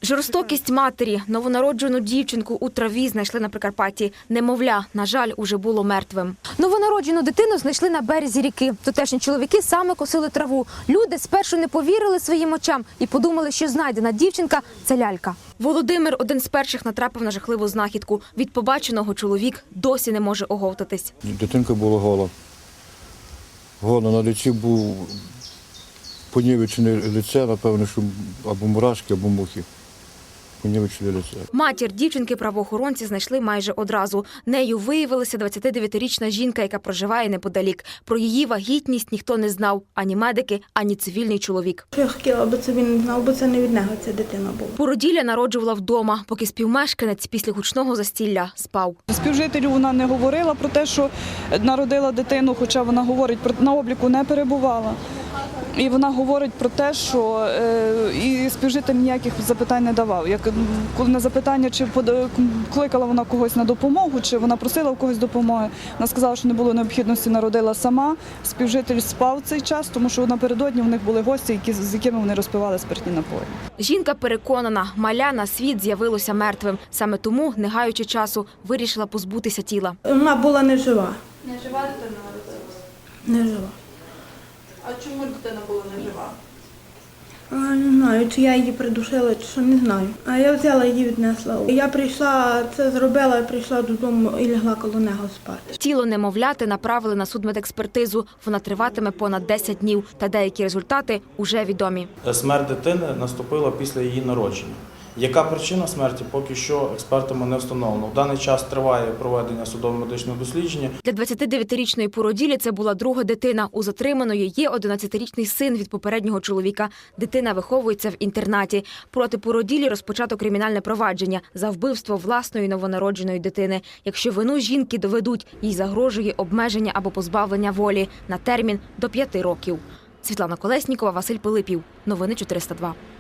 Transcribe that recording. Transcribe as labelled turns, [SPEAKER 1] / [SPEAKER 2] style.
[SPEAKER 1] Жорстокість матері. Новонароджену дівчинку у траві знайшли на Прикарпатті. Немовля, на жаль, уже було мертвим. Новонароджену дитину знайшли на березі ріки. Тутешні чоловіки саме косили траву. Люди спершу не повірили своїм очам і подумали, що знайдена дівчинка – це лялька. Володимир один з перших натрапив на жахливу знахідку. Від побаченого чоловік досі не може оговтатись.
[SPEAKER 2] Дитинка була гола. Гола, на лиці був понівечене лице, напевно, що або мурашки, або мухи. Понівечене лице.
[SPEAKER 1] Матір дівчинки правоохоронці знайшли майже одразу. Нею виявилася 29-річна жінка, яка проживає неподалік. Про її вагітність ніхто не знав. Ані медики, ані цивільний чоловік.
[SPEAKER 3] Я хотіла, аби це він не знав, бо це не від нього ця дитина була.
[SPEAKER 1] Породілля народжувала вдома, поки співмешканець після гучного застілля спав.
[SPEAKER 4] Співжителю вона не говорила про те, що народила дитину, хоча вона говорить, на обліку не перебувала. І вона говорить про те, що і співжитель ніяких запитань не давав. Коли на запитання, чи кликала вона когось на допомогу, чи вона просила у когось допомоги, вона сказала, що не було необхідності, народила сама. Співжитель спав цей час, тому що напередодні в них були гості, з якими вони розпивали спиртні напої.
[SPEAKER 1] Жінка переконана, маля на світ з'явилося мертвим. Саме тому, не гаючи часу, вирішила позбутися тіла.
[SPEAKER 3] Вона була не жива.
[SPEAKER 5] Не жива дитина народилася?
[SPEAKER 3] Не жива.
[SPEAKER 5] А чому дитина була не жива?
[SPEAKER 3] Не знаю, чи я її придушила, чи що, не знаю. А я взяла її, віднесла. Я прийшла, це зробила, прийшла додому і лягла коло нього спати.
[SPEAKER 1] Тіло немовляти направили на судмедекспертизу. Вона триватиме понад 10 днів, та деякі результати уже відомі.
[SPEAKER 6] Смерть дитини наступила після її народження. Яка причина смерті, поки що експертами не встановлено. В даний час триває проведення судово-медичного дослідження.
[SPEAKER 1] Для 29-річної породілі це була друга дитина. У затриманої є 11-річний син від попереднього чоловіка. Дитина виховується в інтернаті. Проти породілі розпочато кримінальне провадження за вбивство власної новонародженої дитини. Якщо вину жінки доведуть, їй загрожує обмеження або позбавлення волі на термін до 5 років. Світлана Колеснікова, Василь Пилипів. Новини 402.